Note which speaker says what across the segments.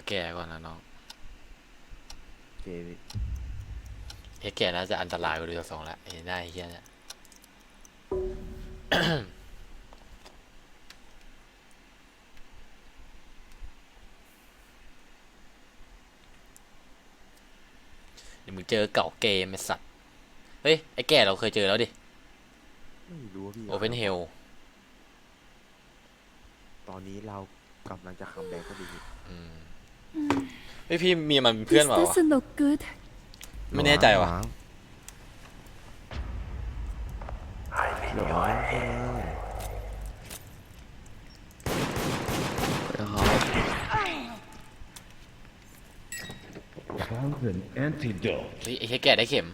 Speaker 1: แก่ก่อนนะน้อง
Speaker 2: เกม
Speaker 1: แก่น่าจะอันตรายกว่าเรือสองละเห็นได้เฮียเนี่ยเดี๋ยวมึงเจอเก่าเกมไอ้สัตว์เฮ้ยไอ้แก่เราเคยเจอแล้วดิ
Speaker 2: ไม่รู้พี่
Speaker 1: โอเพนเฮล
Speaker 2: ตอนนี้เรากำลังจะคัมแบ็กก็ดี
Speaker 1: เฮ้ยพี่มีมันเพื่อนเปล่าวะ
Speaker 3: doesn't look good
Speaker 1: ไม่แน่ใจว่ะ
Speaker 2: หรอ
Speaker 4: Found an antidote.
Speaker 1: เฮ้ยไอ้แก่ได้เข็ม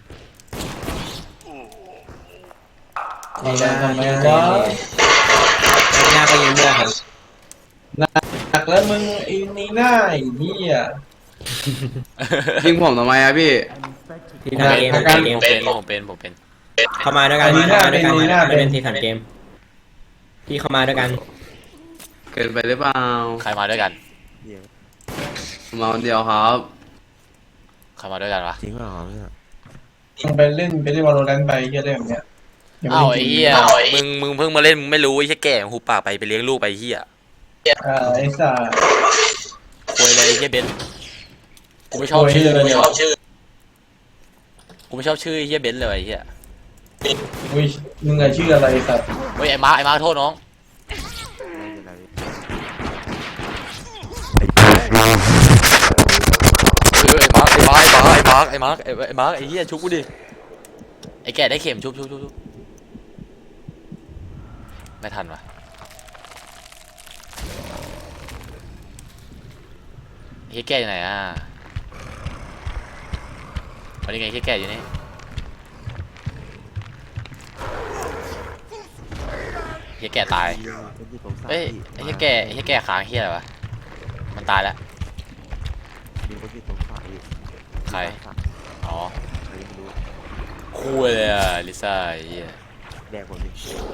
Speaker 5: นี่นะทำไมวะหน้าก็ยิ้มด้วยครับหนักแล้วมึงไอ้นี่หน้าไอ้นี่อ่ะ
Speaker 6: ยิงผมทำไมอะพี่
Speaker 5: ทีหน้าเกม
Speaker 1: ผมเป็น
Speaker 5: เข้ามาด้วยกันเข้ามาด้วยกันไม่เป็นทีสันเกมพี่เข้ามาด้วยกัน
Speaker 6: เกินไปหรือเปล่า
Speaker 1: ใครมาด้วยกัน
Speaker 2: เดี๋ยว
Speaker 6: ผมมาคนเดียวครับ
Speaker 1: ใครมาด้วยกันวะ
Speaker 2: จริงเปล่าเนี่ย
Speaker 5: มึงไปเล่นวอลโลแรนต์ไปเหี้ยได้แบบเนี้ย
Speaker 1: อ้าวไอ้เหี้ยมึงเพิ่งมาเล่นมึงไม่รู้ไอ้แก่หูปากไปเลี้ยงลูกไปเหี้ย
Speaker 5: ไอ้สัส
Speaker 1: คุยเลยไอ้เหี้ยเบนกูไม่ชอบชื่อกูไม่ชอบชื่อไอ้เหี้ยเบนเลยไอ้เหี้ย
Speaker 5: อุ้ยมึงไงชื่ออะไรสัส
Speaker 1: เฮ้ยไอ้มาโทษน้อง
Speaker 2: ไม่เป็นไร
Speaker 1: เฮ้ยไอ้มาร์คไอ้เหี้ยชุบกูดิไอ้แก่ได้เข็มชุบไม่ทันวะไอ้แก่อยู่ไหนอ่ะวันนี้ไงไอ้แก่อยู่นี่ไอ้แก่ตาย
Speaker 2: เป็นที่ผมสั่ง
Speaker 1: เอ้ยไอ้แก่ค้างเฮียอะไรวะมันตายแล้ว
Speaker 2: มีคนที่ผมสั่งอีก
Speaker 1: ใครอ๋อ
Speaker 2: ใครไม่รู้
Speaker 1: คู่เลยอ่ะลิซ่าไอ้เหี้ย
Speaker 2: แดกผมดิ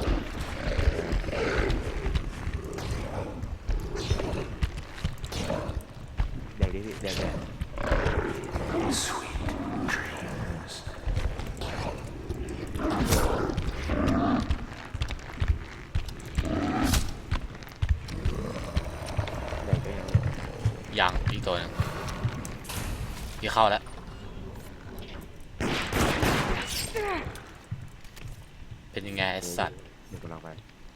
Speaker 2: แดกดิพี่แดกแดกไปยัง
Speaker 1: ยังอีกตัวหนึงพี่เข้าแล้วเป็นยังไงไอ้สัตว์
Speaker 2: เดี๋ยวกำลังไป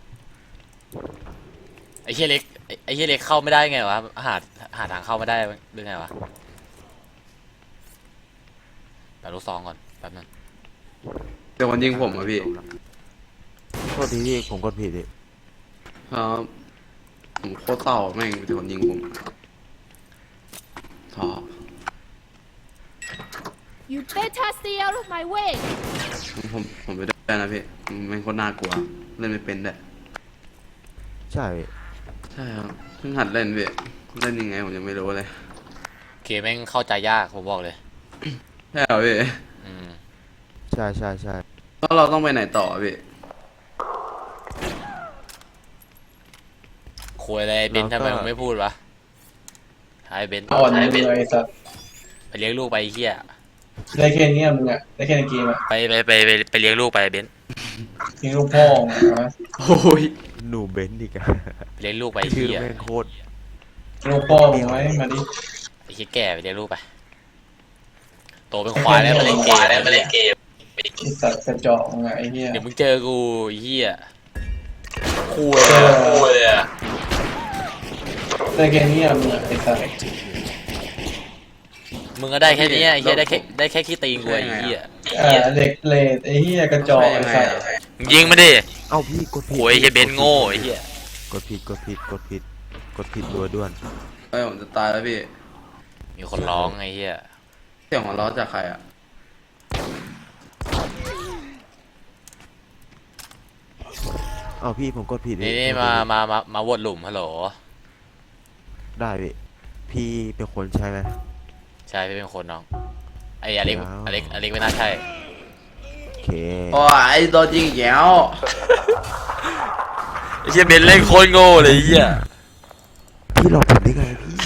Speaker 1: ไอ้เฮียเล็กไอ้เฮียเล็กเข้าไม่ได้ไงวะหาทางเข้าไม่ได้หรือไงวะแปลูกซองก่อนแป๊บนึง
Speaker 6: เดี๋ยวคนยิงผมอะพี่
Speaker 2: โทษทีพี่ผมกดผิดดิ
Speaker 6: ครับผมโคตรเศร้าแม่งเดี๋ยวคนยิงผมท้อ
Speaker 3: You better stay out of my way
Speaker 6: ผมไปได้นะพี่แม่งโคตรน่ากลัวเล่นไม่เป็นด้วย
Speaker 2: ใช่พี่
Speaker 6: ใช่ครับเพิ่งหัดเล่นพี่เล่นยังไงผมยังไม่รู้เลย
Speaker 1: เกมแม่งเข้าใจยากผมบอกเลย
Speaker 6: ใช่เหรอพี่
Speaker 1: อืม
Speaker 2: ใช่
Speaker 6: แล้วเราต้องไปไหนต่อพี่
Speaker 1: คุยอะไรเบนทำไมมึงไม่พูดวะไอ้เบน
Speaker 5: อ่อนมึงไอ้สัส
Speaker 1: ไปเลี้ยงลูกไปไอ้เฮีย
Speaker 5: ได้แค่นี้มึงอ่ะได้แค่ในเกมอ่ะ
Speaker 1: ไปเลี้ยงลูกไปเบน
Speaker 5: ทิ้งลูกพ่อนะ
Speaker 6: โอ้ย
Speaker 2: หนูเบนซ์อีกอะ
Speaker 1: ไปเลี้ยงลูกไปไอ้
Speaker 2: ชื่อ
Speaker 1: เฮีย
Speaker 2: แม่งโคตร
Speaker 5: ลูกพ่อมึงไว้มาดิ
Speaker 1: ไอ้เฮียแก่ไปเลี้ยงลูกไปโตเป็นควายแล้วมาเล่นเกม
Speaker 5: ไอ้สัสกระจอกมึงไอ้เหี้ย
Speaker 1: เดี๋ยวมึงเจอกูไอ้เฮียคุยเลยอะ
Speaker 5: ได้แค่นี้มึงไอ้สัส
Speaker 1: มึงก็ได้แค่นี้ไอ้เฮียได้แค่ขี้ตีนกูไอ้เฮีย
Speaker 5: เด็กเลดไอ้เหี้ยกระจอกไอ้สัส
Speaker 1: ยิงมาดิ
Speaker 2: เอ้าพี่กดผิด
Speaker 1: โอ้ยไอ้เบนโง่ไอ้เฮีย
Speaker 2: กดผิดรัวด้วน
Speaker 6: เอ้ยผมจะตายแล้วพี่
Speaker 1: มีคนร้องไอ้เฮีย
Speaker 6: เสียงหัวเราะจากใครอะ
Speaker 2: เอ้าพี่ผมกดผิด
Speaker 1: นี่มาวนหลุมฮัลโหล
Speaker 2: ได้พี่เป็นคนใช่ไหม
Speaker 1: ใช่พี่เป็นคนน้องไอ้อเล็กไม่น่าใช่
Speaker 2: โอเค
Speaker 6: โอ้ยไอ้ตัวจริงแก้ว
Speaker 1: ไอ้เฮียเบนเล่นโคตรโง่เลยไอ้เฮีย
Speaker 2: พี่หลอกผมได้ไงพี่